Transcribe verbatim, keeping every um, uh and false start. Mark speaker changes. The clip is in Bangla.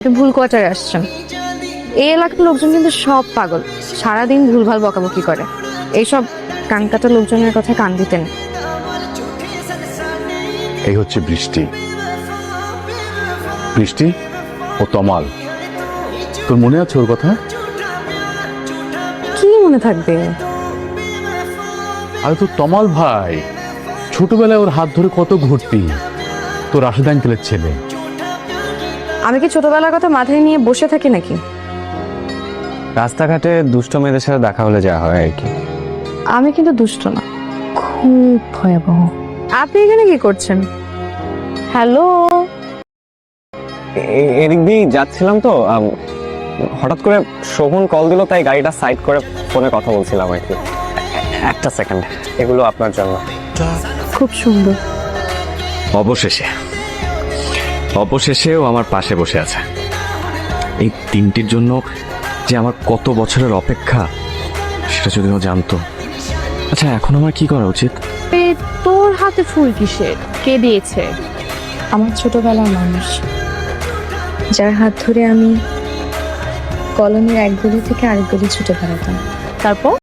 Speaker 1: ভুল কোয়ার্টারে আসছেন। এই এলাকার লোকজন কিন্তু সব পাগল, সারাদিন ভুলভাল বকাবকি করে। এইসব কানকাটা লোকজনের কথা কান দিতেন।
Speaker 2: এই হচ্ছে বৃষ্টি। বৃষ্টি ও তমাল, তোর মনে আছে ওর কথা?
Speaker 1: কি মনে থাকবে?
Speaker 2: আরে তোর তমাল ভাই, ছোটবেলায় ওর হাত ধরে কত ঘুরতি, তোর রাশেদ আঙ্কেলের ছেলে।
Speaker 1: আমি কি ছোটবেলার কথা মাথায় নিয়ে বসে থাকি নাকি?
Speaker 3: রাস্তাঘাটে দুষ্ট মেয়েদের সাথে দেখা হলে যা হয় আর কি।
Speaker 1: আমি কিন্তু দুষ্ট না, খুব ভয়াবহ। আপনি এখানে কি করছেন? হ্যালো,
Speaker 3: এ- এদিক দিয়ে যাচ্ছিলাম তো, আম, হঠাৎ করে শোভন কল দিল, তাই গাড়িটা সাইড করে ফোনে কথা বলছিলাম আর কি। এ- একটা সেকেন্ড, এগুলো আপনার জন্য।
Speaker 1: খুব সুন্দর।
Speaker 4: অবশেষে অবশেষেও আমার পাশে বসে আছে। এই তিনটির জন্য যে আমার কত বছরের অপেক্ষা, সেটা যদি ও জানতো। আচ্ছা, এখন আমার কি করা উচিত?
Speaker 1: এ, তোর হাতে ফুল কিসের? কে দিয়েছে? আমার ছোটবেলার মানুষ, যার হাত ধরে আমি কলোনির এক গলি থেকে আরেক গলি ছুটে বেড়াতাম। তারপর